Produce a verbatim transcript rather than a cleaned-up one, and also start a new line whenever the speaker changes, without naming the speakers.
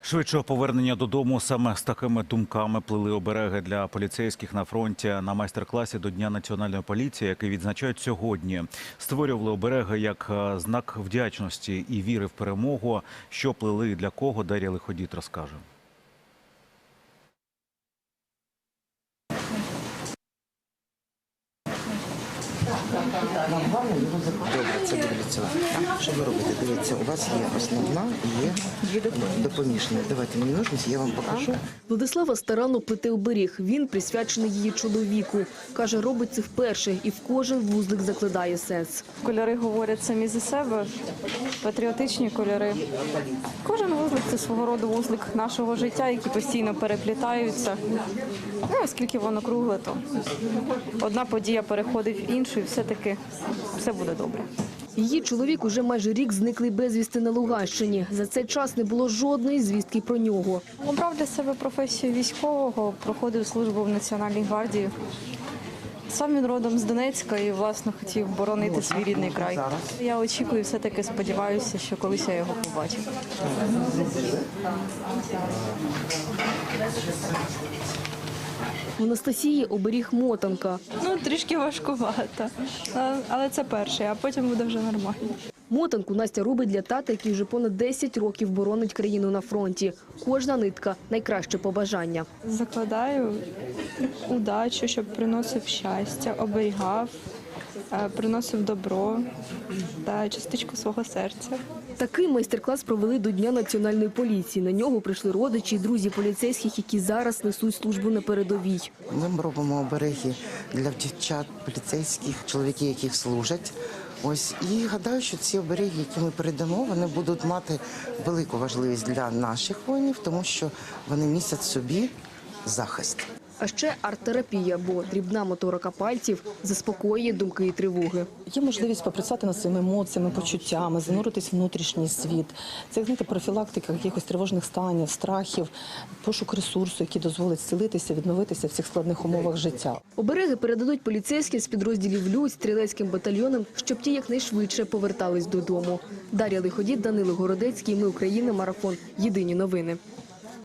Швидшого повернення додому саме з такими думками плели обереги для поліцейських на фронті на майстер-класі до Дня національної поліції, який відзначають сьогодні. Створювали обереги як знак вдячності і віри в перемогу. Що плели і для кого, Дар'я Лиходіт розкаже.
Нам головне його закрити. Добре, це буде цього. Що ви робите? Дивіться, у вас є основна і є допоміжна. Давайте мені ножниці, я вам покажу.
Владислава старанно плете оберіг. Він присвячений її чоловіку. Каже, робить це вперше і в кожен вузлик закладає сенс.
Кольори говорять самі за себе, патріотичні кольори. Кожен вузлик – це свого роду вузлик нашого життя, які постійно переплітаються. Ну, оскільки воно кругле, то одна подія переходить в іншу і все-таки все буде добре.
Її чоловік уже майже рік зниклий безвісти на Луганщині. За цей час не було жодної звістки про нього.
Обрав для себе професію військового, проходив службу в Національній гвардії. Сам він родом з Донецька і, власне, хотів боронити свій рідний край. Я очікую, все-таки сподіваюся, що колись я його побачу.
В Анастасії оберіг мотанка.
Ну, трішки важкувато, але це перший, а потім буде вже нормально.
Мотанку Настя робить для тата, який вже понад десять років боронить країну на фронті. Кожна нитка – найкраще побажання.
Закладаю удачу, щоб приносив щастя, оберігав, приносив добро та частичку свого серця.
Такий майстер-клас провели до Дня національної поліції. На нього прийшли родичі і друзі поліцейських, які зараз несуть службу на передовій.
Ми робимо обереги для дівчат поліцейських, чоловіків, яких служать. Ось, і гадаю, що ці обереги, які ми передамо, вони будуть мати велику важливість для наших воїнів, тому що вони містять в собі захист.
А ще арт-терапія, бо дрібна моторика пальців заспокоює думки і тривоги.
Є можливість попрацювати над своїми емоціями, почуттями, зануритись в внутрішній світ. Це, знаєте, профілактика якихось тривожних станів, страхів, пошук ресурсу, який дозволить зцілитися, відновитися в цих складних умовах життя.
Обереги передадуть поліцейським з підрозділів «Людь», стрілецьким батальйонам, щоб ті якнайшвидше повертались додому. Дар'я Лиходіт, Данило Городецький, Ми Україна, Марафон. Єдині новини.